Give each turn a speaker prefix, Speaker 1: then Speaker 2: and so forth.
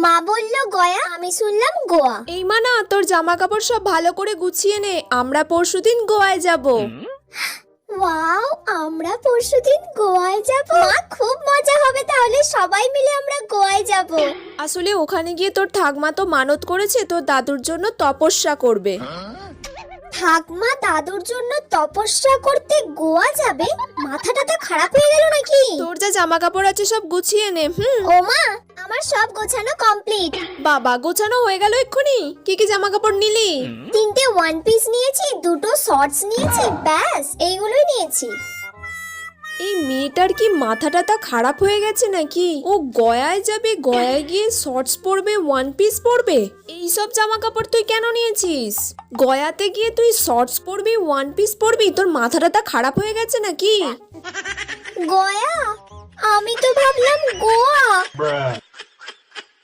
Speaker 1: মা বললো গয়া, আমি শুনলাম গোয়া।
Speaker 2: এই মানা, তোর জামা কাপড় সব ভালো করে গুছিয়ে নে, আমরা পরশুদিন গোয়ায় যাব।
Speaker 1: ওয়াও, আমরা পরশুদিন গোয়ায় যাব। মা, খুব মজা হবে তাহলে, সবাই মিলে আমরা গোয়ায় যাব।
Speaker 2: আসলে ওখানে গিয়ে তোর ঠাকমা তো মানত করেছে তোর দাদুর জন্য তপস্যা করবে।
Speaker 1: ঠাকমা দাদুর জন্য তপস্যা করতে গোয়া যাবে? মাথাটা তো খারাপ হয়ে গেল নাকি?
Speaker 2: তোর যা জামা কাপড় আছে সব গুছিয়ে নে।
Speaker 1: ও মা, আমার সব গোছানো কমপ্লিট।
Speaker 2: বাবা, গোছানো হয়ে গেল এক্ষুনি? কি কি জামা কাপড় নিলি?
Speaker 1: 3টে ওয়ান পিস নিয়েছি, 2টো শর্টস নিয়েছি, ব্যাস এইগুলোই নিয়েছি।
Speaker 2: এই মেয়েটার কি মাথাটা তা খারাপ হয়ে গেছে নাকি? ও গয়ায় যাবে, গয়ায় গিয়ে শর্টস পরবে, ওয়ান পিস পরবে। এই সব জামা কাপড় তুই কেন নিয়েছিস? গয়াতে গিয়ে তুই শর্টস পরবি, ওয়ান পিস পরবি? তোর মাথাটা তা খারাপ হয়ে গেছে নাকি?
Speaker 1: গয়া? আমি তো ভাবলাম গোয়া।